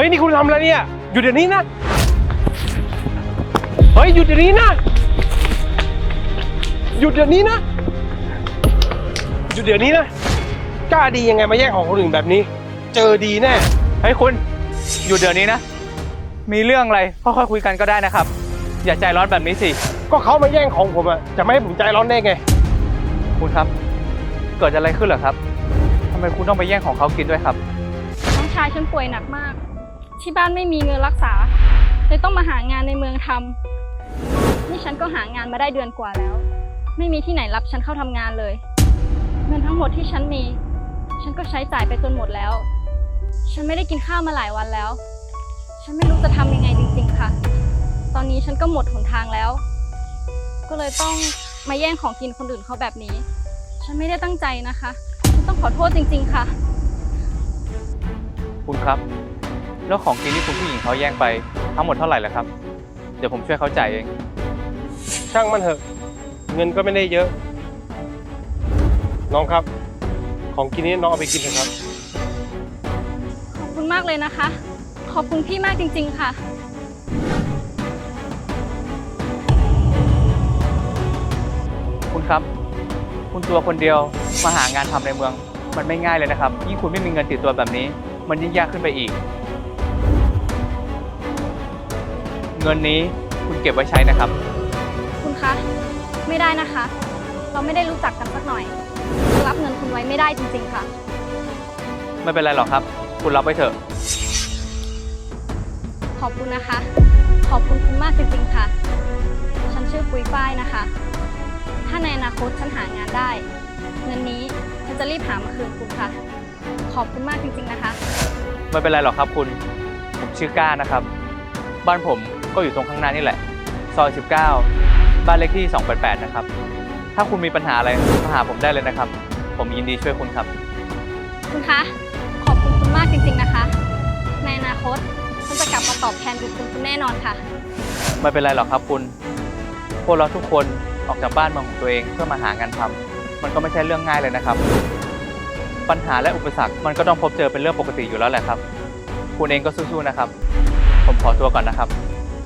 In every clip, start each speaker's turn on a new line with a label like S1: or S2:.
S1: ฮ้ยนี่คุณทำอะไรเนี่ยหยุดเดี๋ยวนี้นะเฮ้ยหยุดเดี๋ยวนี้นะหยุดเดี๋ยวนี้นะหยุดเดี๋ยวนี้นะกล้าดียังไงมาแย่งของคนอื่นแบบนี้เจอดีแน่
S2: เฮ้ยคุณหยุดเดี๋ยวนี้นะมีเรื่องอะไรค่อยๆคุยกันก็ได้นะครับอย่าใจร้อนแบบนี้สิ
S1: ก็เขามาแย่งของผมอะจะไม่ให้ผมใจร้อนได้ไง
S2: คุณครับเกิดอะไรขึ้นเหรอครับทำไมคุณต้องไปแย่งของเขากินด้วยครับ
S3: น้องชายฉันป่วยหนักมากที่บ้านไม่มีเงินรักษาเลยต้องมาหางานในเมืองทำนี่ฉันก็หางานมาได้เดือนกว่าแล้วไม่มีที่ไหนรับฉันเข้าทำงานเลยเงินทั้งหมดที่ฉันมีฉันก็ใช้จ่ายไปจนหมดแล้วฉันไม่ได้กินข้าวมาหลายวันแล้วฉันไม่รู้จะทำยังไงจริงๆค่ะตอนนี้ฉันก็หมดหนทางแล้วก็เลยต้องมาแย่งของกินคนอื่นเขาแบบนี้ฉันไม่ได้ตั้งใจนะคะฉันต้องขอโทษจริงๆค่ะ
S2: คุณครับแล้วของกินที่คุณผู้หญิงเขาแย่งไปทั้งหมดเท่าไหร่ล่ะครับเดี๋ยวผมช่วยเขาจ่ายเอง
S1: ช่างมันเถอะเงินก็ไม่ได้เยอะน้องครับของกินนี้น้องเอาไปกินเถอะครับ
S3: ขอบคุณมากเลยนะคะขอบคุณพี่มากจริงๆค่ะ
S2: คุณครับคุณตัวคนเดียวมาหางานทำในเมืองมันไม่ง่ายเลยนะครับยิ่งคุณไม่มีเงินติดตัวแบบนี้มันยิ่งยากขึ้นไปอีกเงินนี้คุณเก็บไว้ใช้นะครับ
S3: คุณคะไม่ได้นะคะเราไม่ได้รู้จักกันสักหน่อยรับเงินคุณไว้ไม่ได้จริงๆค่ะ
S2: ไม่เป็นไรหรอกครับคุณรับไว้เถอะ
S3: ขอบคุณนะคะขอบคุณคุณมากจริงๆค่ะฉันชื่อปุ้ยฝ้ายนะคะถ้าในอนาคตฉันหางานได้เงินนี้ฉันจะรีบหามาคืนคุณค่ะขอบคุณมากจริงๆนะคะ
S2: ไม่เป็นไรหรอกครับคุณผมชื่อก้านะครับบ้านผมก็อยู่ตรงข้างหน้านี่แหละซอย19บ้านเลขที่288นะครับถ้าคุณมีปัญหาอะไรมาหาผมได้เลยนะครับผมยินดีช่วยคุณครับ
S3: คุณคะขอบคุณคุณมากจริงๆนะคะในอนาคตฉันจะกลับมาตอบแทนบุญคุณแน่นอนค่ะ
S2: ไม่เป็นไรหรอกครับคุณพวกเราทุกคนออกจากบ้านเมืองของตัวเองเพื่อมาหางานทำมันก็ไม่ใช่เรื่องง่ายเลยนะครับปัญหาและอุปสรรคมันก็ต้องพบเจอเป็นเรื่องปกติอยู่แล้วแหละครับคุณเองก็สู้ๆนะครับผมขอตัวก่อนนะครับ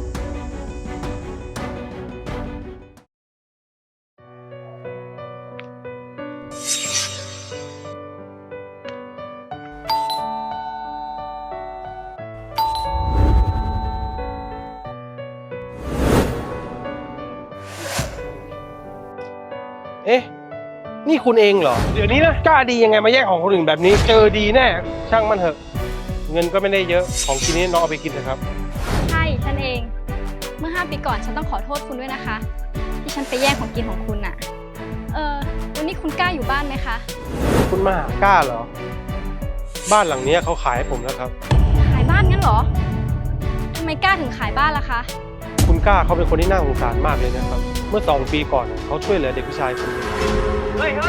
S1: เอ๊ะนี่คุณเองเหรอเดี๋ยวนี้นะกล้าดียังไงมาแย่งของคนอื่นแบบนี้เจอดีแน่ช่างมันเถอะเงินก็ไม่ได้เยอะของกินนี้น้องเอาไปกินเถอะครับ
S3: ใช่ฉันเองเมื่อ5 ปีก่อนฉันต้องขอโทษคุณด้วยนะคะที่ฉันไปแย่งของกินของคุณน่ะวันนี้คุณกล้าอยู่บ้านไหมคะ
S1: คุณมาหากล้าเหรอบ้านหลังนี้เขาขายให้ผมแล้วครับ
S3: ขายบ้านงั้นเหรอทำไมกล้าถึงขายบ้านล่ะคะ
S1: คุณกล้าเขาเป็นคนที่น่าสงสารมากเลยนะครับเมื่อ2 ปีก่อนเขาช่วยเหลือเด็กผู้ชายคนนึง
S2: เฮ้ย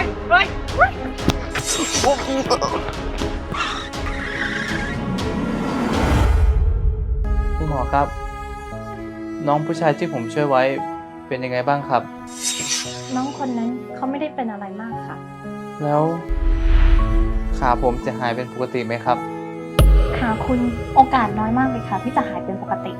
S2: คุณหมอครับน้องผู้ชายที่ผมช่วยไว้เป็นยังไงบ้างครับ
S4: น้องคนนั้นเขาไม่ได้เป็นอะไรมากค่ะ
S2: แล้วขาผมจะหายเป็นปกติไหมครับ
S4: ขาคุณโอกาสน้อยมากเลยค่ะที่จะหายเป็นปกติ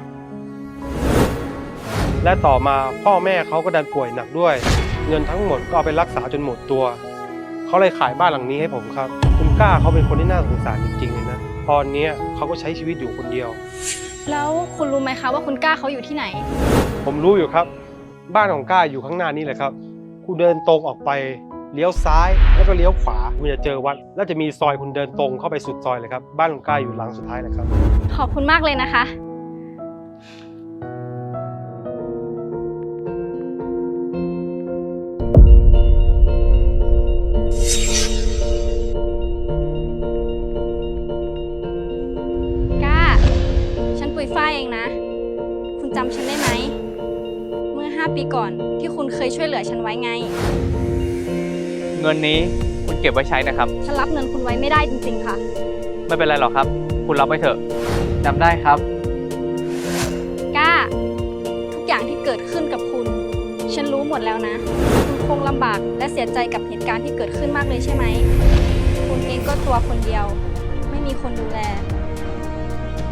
S1: และต่อมาพ่อแม่เขาก็ดันป่วยหนักด้วยเงินทั้งหมดก็เอาไปรักษาจนหมดตัวเขาเลยขายบ้านหลังนี้ให้ผมครับคุณกล้าเขาเป็นคนที่น่าสงสารจริงๆเลยนะตอนนี้เขาก็ใช้ชีวิตอยู่คนเดียว
S3: แล้วคุณรู้ไหมคะว่าคุณกล้าเขาอยู่ที่ไหน
S1: ผมรู้อยู่ครับบ้านของกล้าอยู่ข้างหน้านี่แหละครับคุณเดินตรงออกไปเลี้ยวซ้ายแล้วก็เลี้ยวขวาคุณจะเจอวัดแล้วจะมีซอยคุณเดินตรงเข้าไปสุดซอยเลยครับบ้านของกล้าอยู่หลังสุดท้ายเลยครับ
S3: ขอบคุณมากเลยนะคะฝ้ายเองนะคุณจำฉันได้ไหมเมื่อ5 ปีก่อนที่คุณเคยช่วยเหลือฉันไว้ไง
S2: เงินนี้คุณเก็บไว้ใช้นะครับ
S3: ฉันรับเงินคุณไว้ไม่ได้จริงๆค่ะ
S2: ไม่เป็นไรหรอกครับคุณรับไว้เถอะจำได้ครับ
S3: กล้าทุกอย่างที่เกิดขึ้นกับคุณฉันรู้หมดแล้วนะคุณคงลำบากและเสียใจกับเหตุการณ์ที่เกิดขึ้นมากเลยใช่ไหมคุณเองก็ตัวคนเดียวไม่มีคนดูแล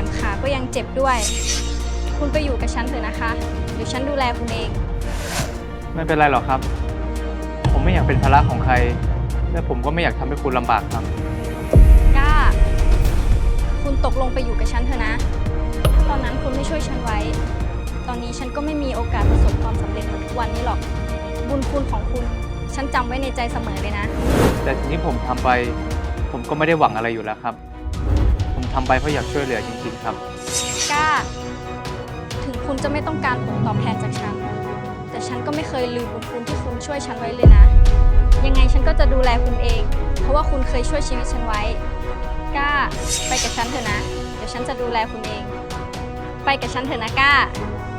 S3: มขาก็ยังเจ็บด้วย คุณไปอยู่กับฉันเถอะนะคะ เดี๋ยวฉันดูแลคุณเอง
S2: ไม่เป็นไรหรอกครับ ผมไม่อยากเป็นภาระของใคร และผมก็ไม่อยากทำให้คุณลำบากครับ
S3: กล้า คุณตกลงไปอยู่กับฉันเถอะนะ ตอนนั้นคุณไม่ช่วยฉันไว้ ตอนนี้ฉันก็ไม่มีโอกาสประสบความสำเร็จเหมือนทุกวันนี้หรอก บุญคุณของคุณ ฉันจำไว้ในใจเสมอเลยนะ
S2: แต่สิ่งที่ผมทำไป ผมก็ไม่ได้หวังอะไรอยู่แล้วครับ ผมทำไปเพราะอยากช่วยเหลือจริงๆครับ
S3: กล้า ถึงคุณจะไม่ต้องการผลตอบแทนจากฉัน แต่ฉันก็ไม่เคยลืมบุญคุณที่คุณช่วยฉันไว้เลยนะ ยังไงฉันก็จะดูแลคุณเอง เพราะว่าคุณเคยช่วยชีวิตฉันไว้ กล้า ไปกับฉันเถอะนะ เดี๋ยวฉันจะดูแลคุณเอง ไปกับฉันเถอะนะกล้า